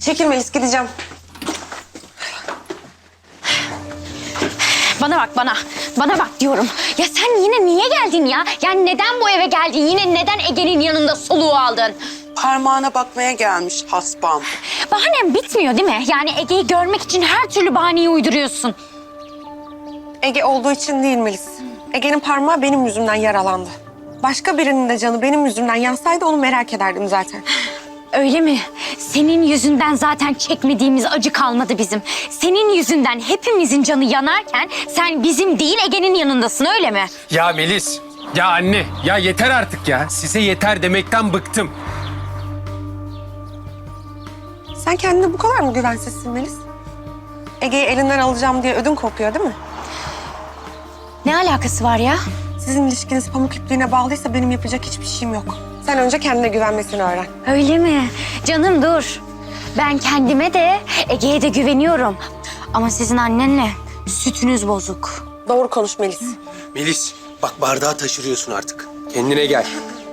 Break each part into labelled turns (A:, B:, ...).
A: Çekil Melis, gideceğim.
B: Bana bak bana. Bana bak diyorum. Ya sen yine niye geldin ya? Yani neden bu eve geldin? Yine neden Ege'nin yanında soluğu aldın?
C: Parmağına bakmaya gelmiş haspam.
B: Bahanem bitmiyor değil mi? Yani Ege'yi görmek için her türlü bahaneyi uyduruyorsun.
A: Ege olduğu için değil Melis. Ege'nin parmağı benim yüzümden yaralandı. Başka birinin de canı benim yüzümden yansaydı onu merak ederdim zaten.
B: Öyle mi? Senin yüzünden zaten çekmediğimiz acı kalmadı bizim. Senin yüzünden hepimizin canı yanarken sen bizim değil Ege'nin yanındasın, öyle mi?
D: Ya Melis, ya anne, ya yeter artık ya. Size yeter demekten bıktım.
A: Sen kendine bu kadar mı güvensizsin Melis? Ege'yi elinden alacağım diye ödün kopuyor değil mi?
B: Ne alakası var ya?
A: Sizin ilişkiniz pamuk ipliğine bağlıysa benim yapacak hiçbir şeyim yok. Sen önce kendine güvenmesini öğren.
B: Öyle mi? Canım dur. Ben kendime de Ege'ye de güveniyorum. Ama sizin annenle sütünüz bozuk.
A: Doğru konuş Melis.
D: Melis, bak bardağı taşırıyorsun artık. Kendine gel.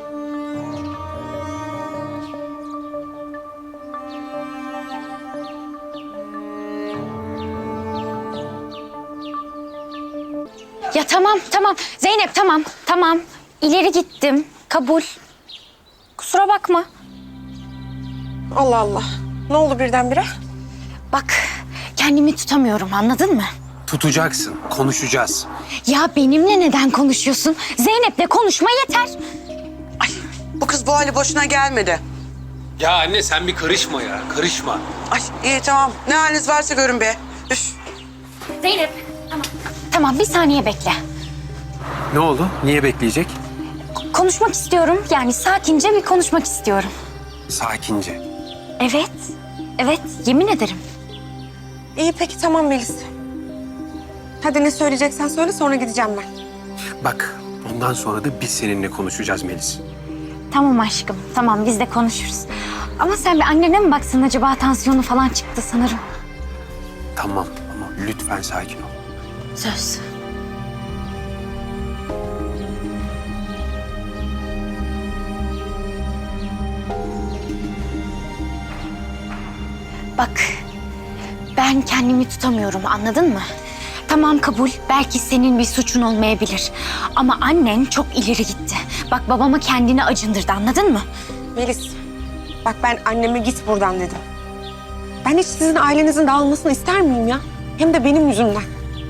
B: Ya tamam. Zeynep tamam. İleri gittim. Kabul. Kusura bakma.
A: Allah Allah. Ne oldu birdenbire?
B: Bak kendimi tutamıyorum, anladın mı?
D: Tutacaksın, konuşacağız.
B: Ya benimle neden konuşuyorsun? Zeynep'le konuşma yeter.
C: Bu kız bu hali boşuna gelmedi.
D: Ya anne sen bir karışma ya, karışma.
C: Ay iyi tamam. Ne haliniz varsa görün be. Üf.
B: Zeynep tamam bir saniye bekle.
D: Ne oldu? Niye bekleyecek?
B: Konuşmak istiyorum. Yani sakince bir konuşmak istiyorum.
D: Sakince.
B: Evet, yemin ederim.
A: İyi peki tamam Melis. Hadi ne söyleyeceksen söyle sonra gideceğim ben.
D: Bak, bundan sonra da biz seninle konuşacağız Melis.
B: Tamam aşkım, tamam biz de konuşuruz. Ama sen bir annene mi baksın, acaba tansiyonu falan çıktı sanırım.
D: Tamam ama lütfen sakin ol.
B: Söz. Bak, ben kendimi tutamıyorum, anladın mı? Tamam kabul, belki senin bir suçun olmayabilir. Ama annen çok ileri gitti. Bak babama kendini acındırdı, anladın mı?
A: Melis, bak ben anneme git buradan dedim. Ben hiç sizin ailenizin dağılmasını ister miyim ya? Hem de benim yüzümden.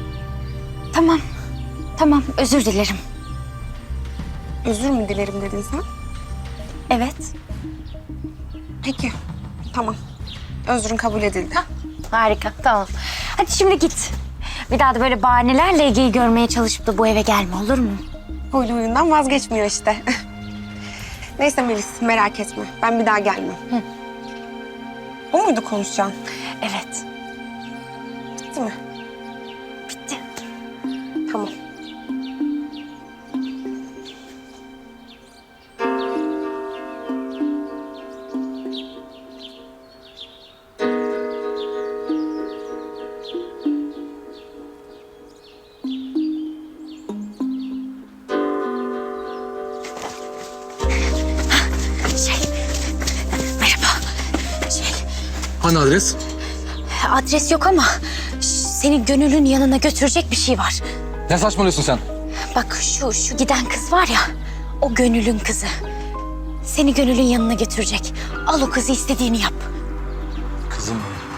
B: Tamam, özür dilerim.
A: Özür mü dilerim dedin sen?
B: Evet.
A: Peki, tamam. Özrün kabul edildi.
B: Harika, tamam. Hadi şimdi git. Bir daha da böyle bahanelerle Ege'yi görmeye çalışıp da bu eve gelme, olur mu?
A: Huylu huyundan vazgeçmiyor işte. Neyse Melis, merak etme. Ben bir daha gelmem. Bu muydu konuşacağın?
B: Evet,
A: Bitti mi?
B: bitti.
A: Tamam.
B: Merhaba.
D: Hani adres?
B: Adres yok ama seni Gönül'ün yanına götürecek bir şey var.
E: Ne saçmalıyorsun sen?
B: Bak şu giden kız var ya, o Gönül'ün kızı. Seni Gönül'ün yanına götürecek. Al o kızı, istediğini yap.
E: Kızım.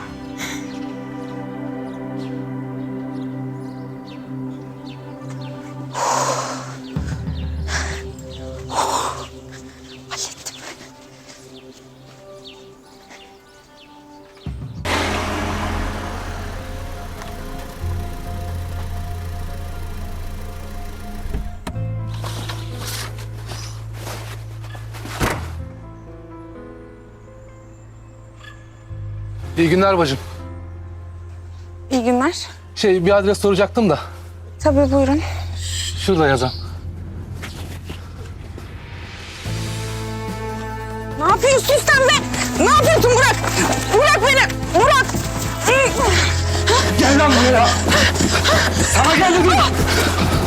B: Hallettim.
E: İyi günler bacım.
A: İyi günler.
E: Bir adres soracaktım da.
A: Tabii buyurun.
E: Şurada yazan.
A: Ne yapıyorsun sen be? Ne yapıyorsun Burak? Bırak beni! Burak!
E: Gel lan buraya. Sana gel dedim.